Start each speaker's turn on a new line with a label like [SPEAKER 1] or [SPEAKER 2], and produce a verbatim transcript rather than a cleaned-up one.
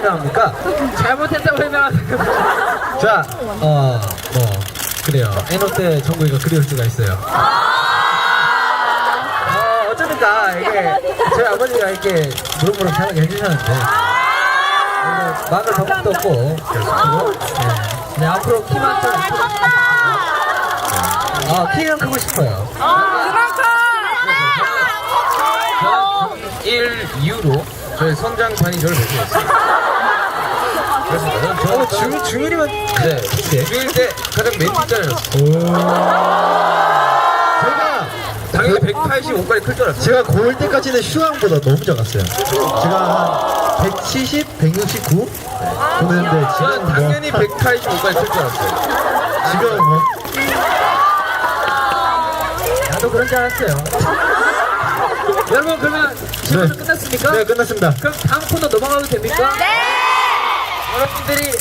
[SPEAKER 1] 설명합니까?
[SPEAKER 2] 잘못했다고 설명하세요.
[SPEAKER 1] 자, 어, 뭐 그래요. 에노 때 정국이가 그리울 수가 있어요. 어, 어쩌니까 이게 저희 아버지가 이렇게 무릎무릎 편하게 해주셨는데 오늘 막을 방법도 없고 그래서 네. 네, 앞으로 키만 좀 아, 키는 크고 싶어요. 일 이후로 저희 선장반이 저를 배려했어요. 그렇습니다. 저는 중, 중일이면 네, 중일 때 가장 맨 뒷자리였어요. 제가 당연히 백팔십오까지 클 줄 알았어요.
[SPEAKER 3] 제가 고일 때까지는 슈왕보다 너무 작았어요. 제가 한 백칠십, 백육십구 보냈는데
[SPEAKER 1] 저는
[SPEAKER 3] 지금
[SPEAKER 1] 당연히
[SPEAKER 3] 뭐,
[SPEAKER 1] 백팔십오까지 클 줄 알았어요.
[SPEAKER 3] 지금 뭐
[SPEAKER 1] 나도 그런 줄 알았어요.
[SPEAKER 2] 여러분 그러면 질문
[SPEAKER 3] 네.
[SPEAKER 2] 끝났습니까?
[SPEAKER 3] 네, 끝났습니다.
[SPEAKER 2] 그럼 다음 코너 넘어가도 됩니까? 네! 여러분들이